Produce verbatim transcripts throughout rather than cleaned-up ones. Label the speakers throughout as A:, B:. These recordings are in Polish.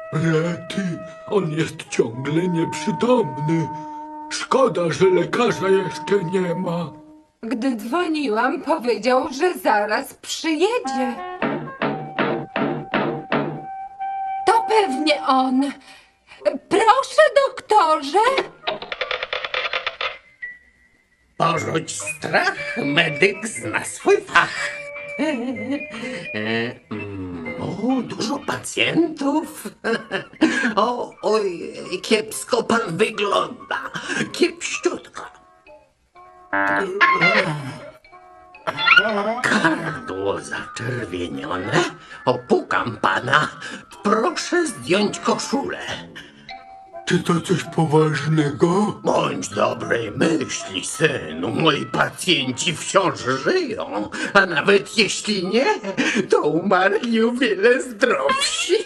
A: Rety, on jest ciągle nieprzytomny. Szkoda, że lekarza jeszcze nie ma.
B: Gdy dzwoniłam, powiedział, że zaraz przyjedzie. To pewnie on. Proszę, doktorze.
C: Porzuć strach, medyk zna swój fach. O, dużo pacjentów. O, oj, kiepsko pan wygląda. Kiepściutko. Gardło zaczerwienione. Opukam pana. Proszę zdjąć koszulę.
A: Czy to coś poważnego?
C: Bądź dobrej myśli, synu. Moi pacjenci wciąż żyją, a nawet jeśli nie, to umarli o wiele zdrowsi.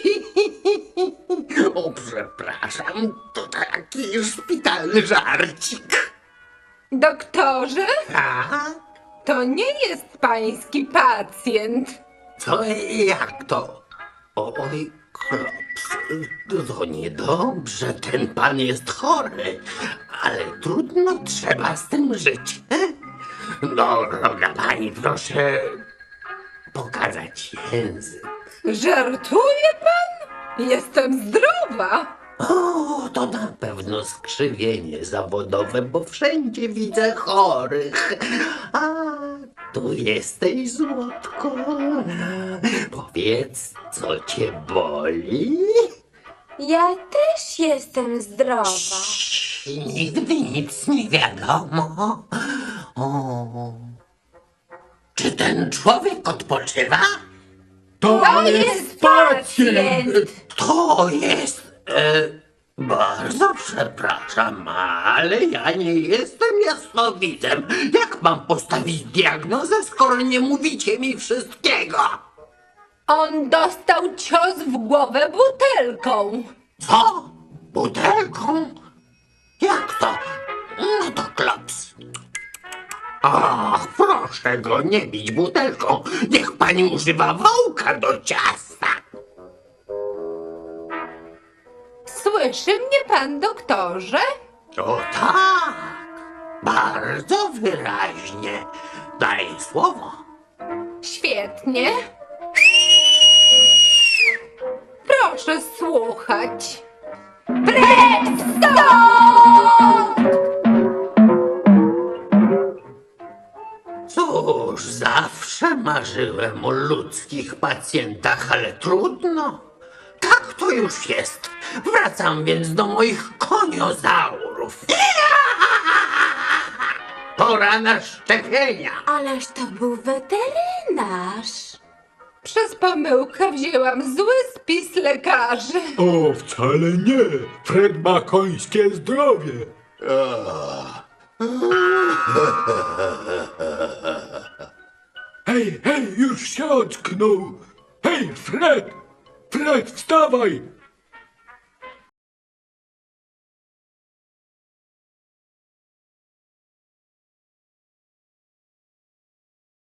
C: O, przepraszam, to taki szpitalny żarcik.
B: Doktorze,
C: A?
B: to nie jest pański pacjent.
C: Co, jak to? Oj, klops, to niedobrze, ten pan jest chory, ale trudno, trzeba z tym żyć. No, droga pani, proszę pokazać język.
B: Żartuje pan? Jestem zdrowa.
C: O, to na pewno skrzywienie zawodowe, bo wszędzie widzę chorych. A tu jesteś, złotko. Powiedz, co cię boli?
D: Ja też jestem zdrowa.
C: Nigdy nic nie wiadomo. O. Czy ten człowiek odpoczywa?
A: To,
B: To jest pacjent.
C: To jest... E, bardzo przepraszam, ale ja nie jestem jasnowidzem. Jak mam postawić diagnozę, skoro nie mówicie mi wszystkiego?
B: On dostał cios w głowę butelką.
C: Co? Butelką? Jak to? No to klops. Ach, proszę go nie bić butelką. Niech pani używa wołka do ciasta.
B: Słyszy mnie pan, doktorze?
C: O tak, bardzo wyraźnie. Daj słowo.
B: Świetnie. Proszę słuchać. Precz stąd!
C: Cóż, zawsze marzyłem o ludzkich pacjentach, ale trudno. Tak to już jest. Wracam więc do moich koniozaurów. Pora na szczepienia.
D: Ależ to był weterynarz.
B: Przez pomyłkę wzięłam zły spis lekarzy.
A: O, wcale nie. Fred ma końskie zdrowie. Hej, hej, już się ocknął. Hej, Fred! Fred, wstawaj!